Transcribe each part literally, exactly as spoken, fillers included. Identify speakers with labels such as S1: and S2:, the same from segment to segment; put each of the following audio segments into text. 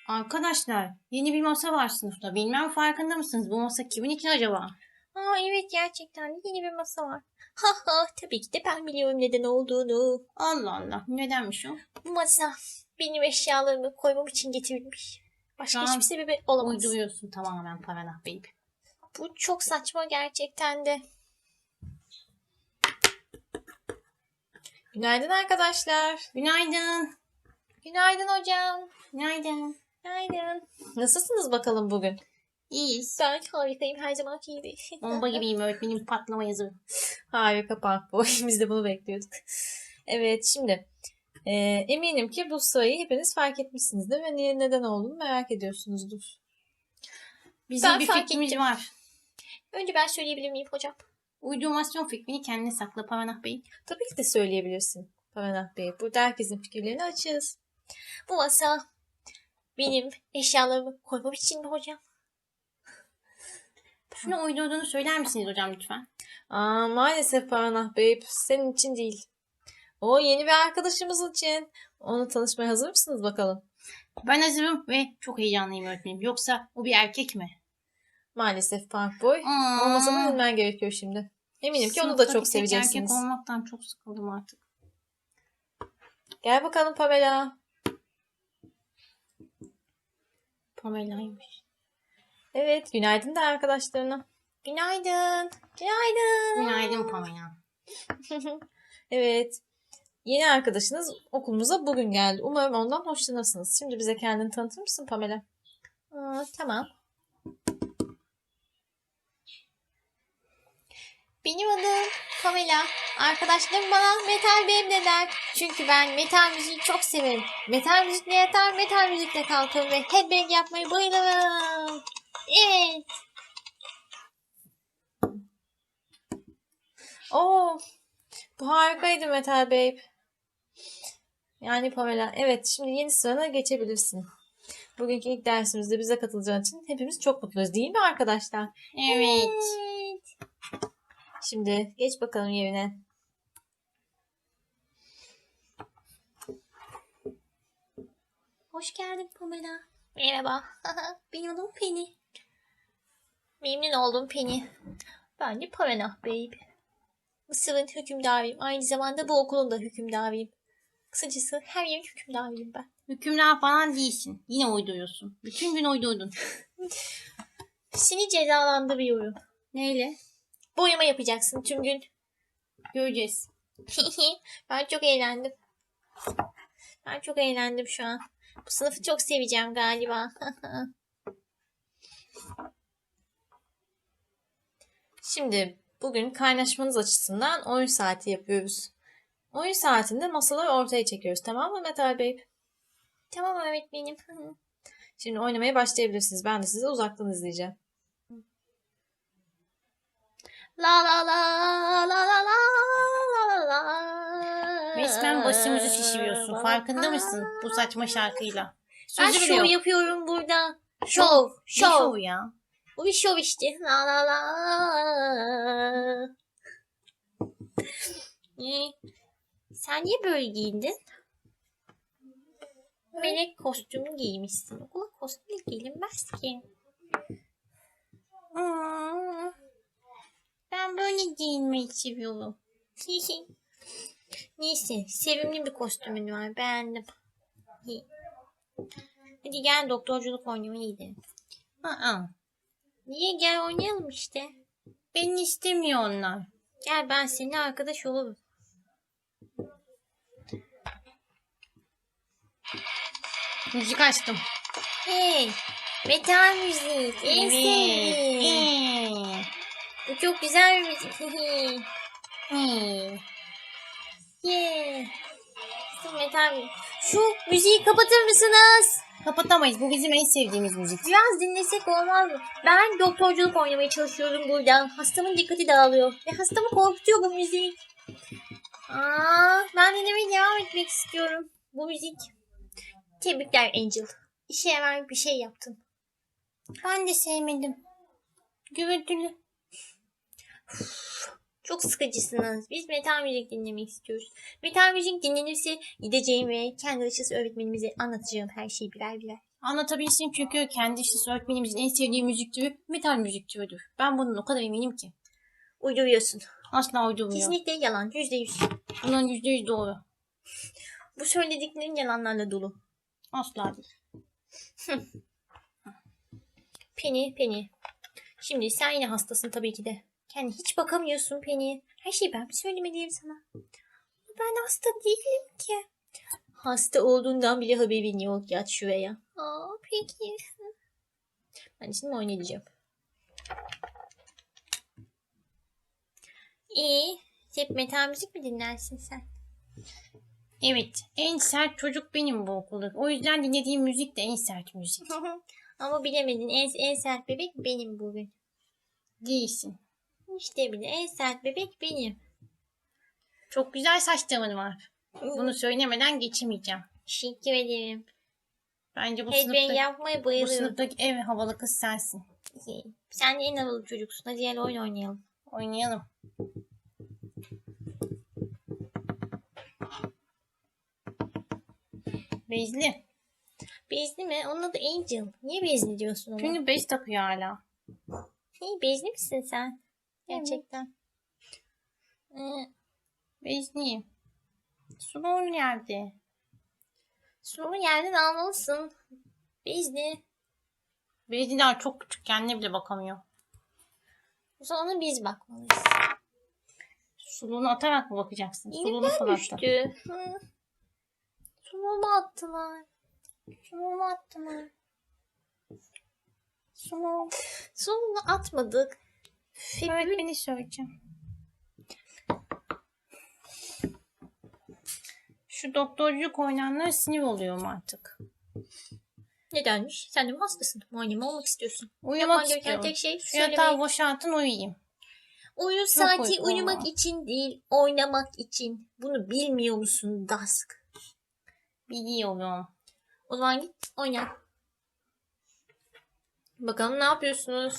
S1: Arkadaşlar, yeni bir masa var sınıfta. Bilmem farkında mısınız? Bu masa kimin için acaba?
S2: Aa evet, gerçekten yeni bir masa var. Ha ha, tabii ki de ben biliyorum neden olduğunu.
S1: Allah Allah, nedenmiş o?
S2: Bu masa benim eşyalarımı koymam için getirilmiş.
S1: Şu
S2: Başka
S1: an
S2: hiçbir sebebi olamaz.
S1: uyduruyorsun tamamen Paranah Bey.
S2: Bu çok saçma gerçekten de. Günaydın arkadaşlar.
S1: Günaydın.
S2: Günaydın hocam.
S1: Günaydın.
S2: Günaydın. Nasılsınız bakalım bugün?
S1: İyiyiz.
S2: Ben harikayım, her zamanki gibi.
S1: Bomba gibiyim, öğretmenim patlama yazı.
S2: Harika Park Biz de bunu bekliyorduk. Evet, şimdi e, eminim ki bu sayıyı hepiniz fark etmişsinizdir ve niye, neden olduğunu merak ediyorsunuzdur.
S1: Bizim
S2: Ben
S1: bir
S2: fark
S1: fikrimiz
S2: ettim.
S1: var.
S2: Önce ben söyleyebilir miyim hocam?
S1: Uydurmasyon fikrini kendine sakla Paranah Bey.
S2: Tabii ki de söyleyebilirsin Paranah Bey. Burada herkesin fikirlerini açığız. Bu masa benim eşyalarımı koymam için mi hocam?
S1: Şunu uydurduğunu söyler misiniz hocam lütfen?
S2: Aa, maalesef Paranah Bey, senin için değil. O yeni bir arkadaşımız için. Onu tanışmaya hazır mısınız bakalım?
S1: Ben hazırım ve çok heyecanlıyım öğretmenim. Yoksa o bir erkek mi?
S2: Maalesef Park Boy.
S1: Aa.
S2: Olmasa da bilmen gerekiyor şimdi. Eminim ki onu da çok seveceksiniz.
S1: Erkek olmaktan çok sıkıldım artık.
S2: Gel bakalım Pamela.
S1: Pamela'ymış.
S2: Evet, günaydın da arkadaşlarına. Günaydın. Günaydın.
S1: Günaydın Pamela.
S2: Evet. Yeni arkadaşınız okulumuza bugün geldi. Umarım ondan hoşlanırsınız. Şimdi bize kendini tanıtır mısın Pamela? Aa, tamam. Benim adım Pamela. Arkadaşlarım bana Metal Bey'im der. Çünkü ben metal müziği çok severim. Metal müzikle yatar, metal müzikle kalkarım ve headbang yapmayı bayılırım. Evet. Oo, bu harikaydı Metal Babe. Yani Pamela, evet, şimdi yeni sırana geçebilirsin. Bugünkü ilk dersimizde bize katılacağın için hepimiz çok mutluyuz, değil mi arkadaşlar?
S1: Evet.
S2: Evet. Şimdi geç bakalım yerine. Hoş geldin Pamela. Merhaba. Benim adım Penny. Memnun oldum Penny. Ben de Pamela Babe. Mısır'ın hükümdarıyım. Aynı zamanda bu okulun da hükümdarıyım. Kısacası her yerin hükümdarıyım ben.
S1: Hükümdar falan değilsin. Yine uyduruyorsun. Bütün gün uydurdun.
S2: Seni cezalandırıyorum.
S1: Neyle?
S2: Boyama yapacaksın tüm gün.
S1: Göreceğiz.
S2: Ben çok eğlendim. Ben çok eğlendim şu an. Bu sınıfı çok seveceğim galiba. Şimdi bugün kaynaşmanız açısından oyun saati yapıyoruz. Oyun saatinde masaları ortaya çekiyoruz, tamam mı Metal Bey? Tamam öğretmenim. Şimdi oynamaya başlayabilirsiniz. Ben de sizi uzaktan izleyeceğim. La la la la la la la la.
S1: Resmen başımızı şişiriyorsun. Farkında mısın bu saçma şarkıyla?
S2: Ben
S1: Sözü bile
S2: şov
S1: yok.
S2: yapıyorum burada. Şov,
S1: Ne
S2: şov.
S1: şov ya?
S2: Bu bir şov işte. La la la. Ee, Sen niye böyle giyindin? Melek kostümü giymişsin. Okula kostümle giyinmez ki.
S1: Aa, ben böyle giyinmeyi seviyorum.
S2: Neyse, sevimli bir kostümün var. Beğendim. Hadi gel doktorculuk oynamaya gidelim.
S1: Aa,
S2: Niye? Gel oynayalım işte.
S1: beni istemiyor onlar.
S2: Gel, ben seninle arkadaş olurum.
S1: Müzik açtım.
S2: Hey, metal müzik. En
S1: Evet.
S2: sevdiğim.
S1: Ee,
S2: Bu çok güzel bir müzik.
S1: ee.
S2: Yeah. Şu metal müzik. Şu müziği kapatır mısınız?
S1: Kapatamayız. Bu bizim en sevdiğimiz müzik.
S2: Biraz dinlesek olmaz mı? Ben doktorculuk oynamaya çalışıyorum burada. Hastamın dikkati dağılıyor. Ve hastamı korkutuyor bu müzik. Aa, ben dinlemeye devam etmek istiyorum. Bu müzik. Tebrikler Angel. İşe yarar bir şey yaptın.
S1: Ben de sevmedim. Gürültülü.
S2: Çok sıkıcısınız. Biz metal müzik dinlemek istiyoruz. Metal müzik dinlenirse gideceğim ve kendi açısı öğretmenimize anlatacağım her şeyi birer birer.
S1: Anlatabilsin çünkü kendi işte öğretmenimizin en sevdiği müzik türü metal müzik türüdür. Ben bunun o kadar eminim ki.
S2: Uyduruyorsun.
S1: Asla uydurmuyor.
S2: Kesinlikle yalan. Yüzde yüz.
S1: Bunun yüzde yüz doğru.
S2: Bu söylediklerin yalanlarla dolu.
S1: Asla değil.
S2: Penny, Penny. Şimdi sen yine hastasın tabii ki de. Kendi hiç bakamıyorsun Penny. Her şeyi ben mi söylemeliyim sana? Ben hasta değilim ki. Hasta olduğundan bile haberin yok. Yat şuraya. Aa, peki. Ben şimdi oynayacağım. İyi. Hep metal müzik mi dinlersin sen?
S1: Evet. En sert çocuk benim bu okulda. O yüzden dinlediğim müzik de en sert müzik.
S2: Ama bilemedin. En, en sert bebek benim bugün.
S1: Değilsin.
S2: İşte bile en sert bebek benim.
S1: Çok güzel saçların var. Bunu söylemeden geçemeyeceğim.
S2: Teşekkür ederim.
S1: Bence bu
S2: Headbang
S1: sınıfta,
S2: yapmaya
S1: bu
S2: bayılıyorum.
S1: sınıftaki en havalı kız sensin.
S2: Sen de en havalı çocuksun. Hadi gel oyun oynayalım.
S1: Oynayalım. Bezli.
S2: Bezli mi? Onun adı Angel. Niye bezli diyorsun ona?
S1: Çünkü bez takıyor hala.
S2: Hey, bezli misin sen? Gerçekten. Ee,
S1: Bezliyim. Suluğun yerde.
S2: Suluğu yerden almalısın. Bezli.
S1: Bezli daha çok küçük. Kendine bile bakamıyor.
S2: O zaman ona biz bakmalıyız.
S1: Suluğunu atarak mı bakacaksın? Suluğunu
S2: Elimden
S1: fırlattı.
S2: düştü. Hı. Suluğumu attılar. Suluğumu attılar.
S1: Suluğu.
S2: Suluğunu atmadık.
S1: Öğretmeni söyleyeceğim. Şu doktorculuk oynananlara sinir oluyorum artık.
S2: Nedenmiş? Sen de mi hastasın? Muayene olmak istiyorsun?
S1: Uyumak
S2: Yapman gereken
S1: istiyorum.
S2: tek şey
S1: Şu yatağı
S2: söylemek.
S1: boşaltın uyuyayım.
S2: Oyun
S1: Çok
S2: saati
S1: uykum
S2: uyumak
S1: var.
S2: için değil, oynamak için. Bunu bilmiyor musun Dask?
S1: Biliyorum.
S2: O zaman git oyna. Bakalım ne yapıyorsunuz?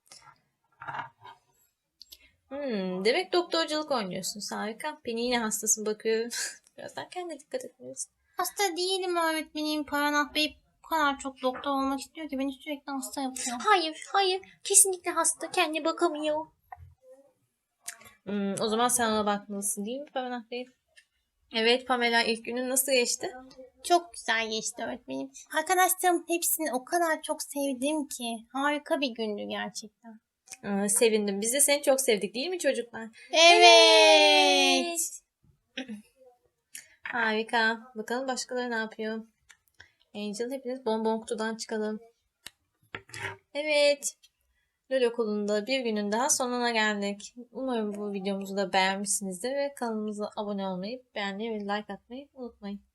S2: Hmm, demek doktorculuk oynuyorsun. Harika. Beni yine hastasın bakıyorum. Birazdan kendine dikkat etmelisin.
S1: Hasta değilim öğretmenim. Paranah Bey bu kadar çok doktor olmak istiyor ki beni sürekli hasta yapıyor.
S2: Hayır, hayır. Kesinlikle hasta. Kendine bakamıyor. Hmm, o zaman sen ona bakmalısın değil mi Pamela Bey? Evet Pamela, ilk günün nasıl geçti?
S1: Çok güzel geçti öğretmenim. Arkadaşlarım hepsini o kadar çok sevdim ki. Harika bir gündü gerçekten.
S2: Aa, sevindim. Biz de seni çok sevdik değil mi çocuklar?
S1: Evet.
S2: Harika. Bakalım başkaları ne yapıyor? Angel, hepiniz bonbon kutudan çıkalım. Evet. LOL okulunda bir günün daha sonuna geldik. Umarım bu videomuzu da beğenmişsinizdir ve kanalımıza abone olmayı, beğenmeyi ve like atmayı unutmayın.